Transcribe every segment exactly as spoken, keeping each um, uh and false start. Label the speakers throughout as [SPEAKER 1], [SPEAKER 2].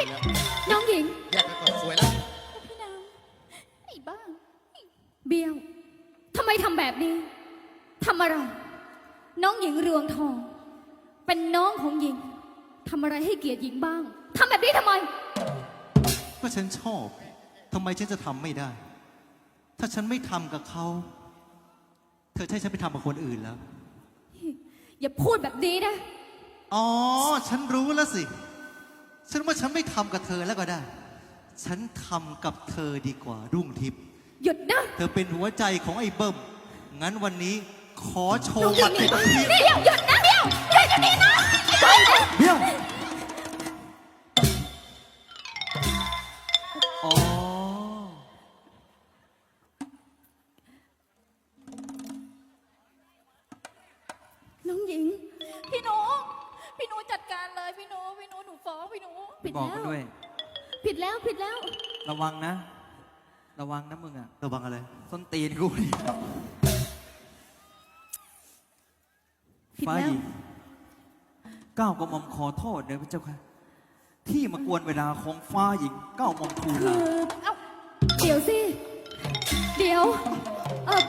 [SPEAKER 1] พี่น้องหญิง
[SPEAKER 2] แยกกันก่อนสวยแล้ว
[SPEAKER 1] พี่นางไอ้บ้าเบี้ยวทำไมทำแบบนี้ทำอะไรน้องหญิงเรืองทองเป็นน้องของหญิงทำอะไรให้เกียรติหญิงบ้างทำแบบนี้ทำไม
[SPEAKER 3] ก็ฉันชอบทำไมฉันจะทำไม่ได้ถ้าฉันไม่ทำกับเขาเธอใช่ฉันไปทำกับคนอื่นแล้ว
[SPEAKER 1] อย่าพูดแบบนี้นะ
[SPEAKER 3] อ๋อฉันรู้แล้วสิฉันว่าฉันไม่ทำกับเธอแล้วก็ได้ฉันทำกับเธอดีกว่ารุ่งทิพย์
[SPEAKER 1] หยุดนะ
[SPEAKER 3] เธอเป็นหัวใจของไอ้เบิ้มงั้นวันนี้ขอโชว์บัตรในที
[SPEAKER 1] เดี๋ยวหยุดนะเดี๋ยวหยุดนี่นะ
[SPEAKER 3] เดี๋ยวอ๋อ
[SPEAKER 1] น้องหญิง
[SPEAKER 4] พี่หนูพี่หนูจัดการเลยพี่หนูพี่หนูหนูฟ้องพี่หนู
[SPEAKER 1] ผิด
[SPEAKER 5] บอก
[SPEAKER 1] แล้ว
[SPEAKER 5] กันด้วย
[SPEAKER 1] ผิดแล้วผิดแล้ว
[SPEAKER 5] ระวังนะ ระวังนะมึงอะ
[SPEAKER 3] ระวังอะไร
[SPEAKER 5] ส้นตีนกูนี่ฟ้าหญิงก้าวกระหม่อมขอโทษเด้อพระเจ้าค่ะที่มากวนเวลาของฟ้าหญิงก้าวกระหม่อมทูล
[SPEAKER 1] คื
[SPEAKER 5] ลา
[SPEAKER 1] อเดี๋ยวสิเดี๋ยวเออ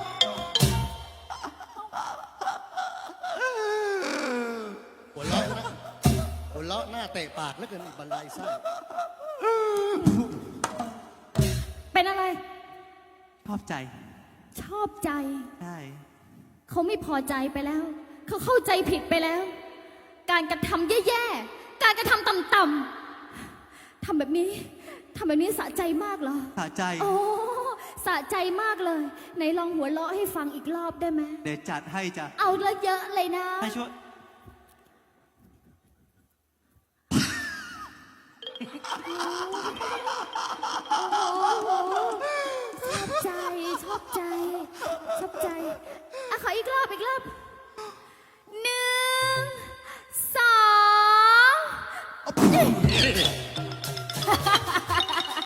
[SPEAKER 2] หัวเราะนะหัวเราะหน้าเตะปากแล้วเกินบรรลัยไส้
[SPEAKER 1] เป็นอะไร
[SPEAKER 3] ชอบใจ
[SPEAKER 1] ชอบใจ
[SPEAKER 3] ใช่
[SPEAKER 1] เขาไม่พอใจไปแล้ว เขาเข้าใจผิดไปแล้ว การกระทำแย่ๆการกระทำต่ำๆทำแบบนี้ทำแบบนี้สะใจมากเหรอ
[SPEAKER 3] สะใจ
[SPEAKER 1] โอ้สะใจมากเลยไหนลองหัวเราะให้ฟังอีกรอบได้ไหม
[SPEAKER 3] เดี๋ยวจัดให้จ้ะ
[SPEAKER 1] เอาละเยอะเลยนะ
[SPEAKER 3] ให้ช่วย
[SPEAKER 1] ชอบใจชอบใจชอบใจอ่ะขออีกรอบอีกรอบหนึ่